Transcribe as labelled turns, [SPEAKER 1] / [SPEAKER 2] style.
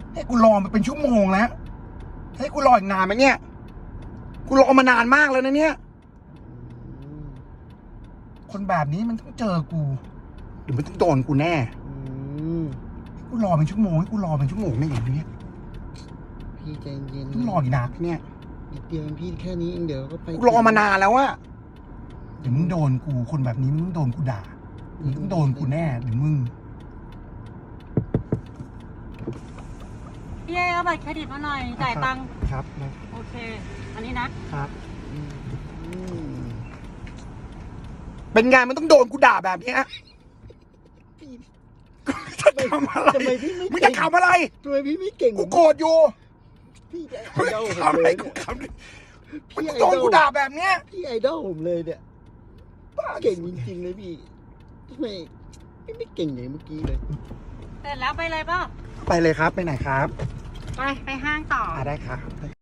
[SPEAKER 1] ให้กูรอมาเป็นชั่วโมงแล้วให้กูรออีกนานไหมเนี่ยกูรอมานานมากแล้วนะเนี่ยคนแบบนี้มันต้องเจอกูหรือมันต้องโดนกูแน่ให้กูรอเป็นชั่วโมงให้กูรอเป็นชั่วโมงเนี่ยอย่างนี้
[SPEAKER 2] พี่ใจเย็น
[SPEAKER 1] ต้องรอกี่นานเนี่ย
[SPEAKER 2] นิดเดียวพี่แค่นี้เองเดี๋ยวก็ไป
[SPEAKER 1] กูรอมานานแล้วอะเดี๋ยวมึงโดนกูคนแบบนี้มึงต้องโดนกูด่ามึงต้องโดนกูแน่เดี๋ยวมึง
[SPEAKER 3] พี่เอาบัตรเครดิตมาหน่อยจ่ายตังค์
[SPEAKER 1] ครับ
[SPEAKER 3] โอเค อันนี้นะครับ
[SPEAKER 1] เป็นไงมันต้องโดนกูด่าแบบเนี้ยจะทำอะไร
[SPEAKER 2] ทำไมพี่ไม่
[SPEAKER 1] มึง
[SPEAKER 2] เก่
[SPEAKER 1] จะ
[SPEAKER 2] ง
[SPEAKER 1] ทำอะไร
[SPEAKER 2] ทำไมพี่ไม่เก่ง
[SPEAKER 1] กูโกรธอยู่
[SPEAKER 2] พี่ไอ
[SPEAKER 1] มึง
[SPEAKER 2] ดอลผม
[SPEAKER 1] ทำอะไร
[SPEAKER 2] เลย
[SPEAKER 1] กู
[SPEAKER 2] เนี่ย
[SPEAKER 1] ทำมึง
[SPEAKER 2] พี่ไอ
[SPEAKER 1] โด
[SPEAKER 2] ดอน ล
[SPEAKER 1] กูด่าแบบเนี้ย
[SPEAKER 2] พี่ไอดอลผมเลยเนี่ยเก่งจริงๆเลยพี่ทำไมพี่ไม่เก่งอย่างเมื่อกี้เลย
[SPEAKER 3] เสร็จแล้วไปเลยเปล่า
[SPEAKER 1] ไปเลยครับไปไหนครับ
[SPEAKER 3] ไปห้างต่อ
[SPEAKER 1] ได้ครับ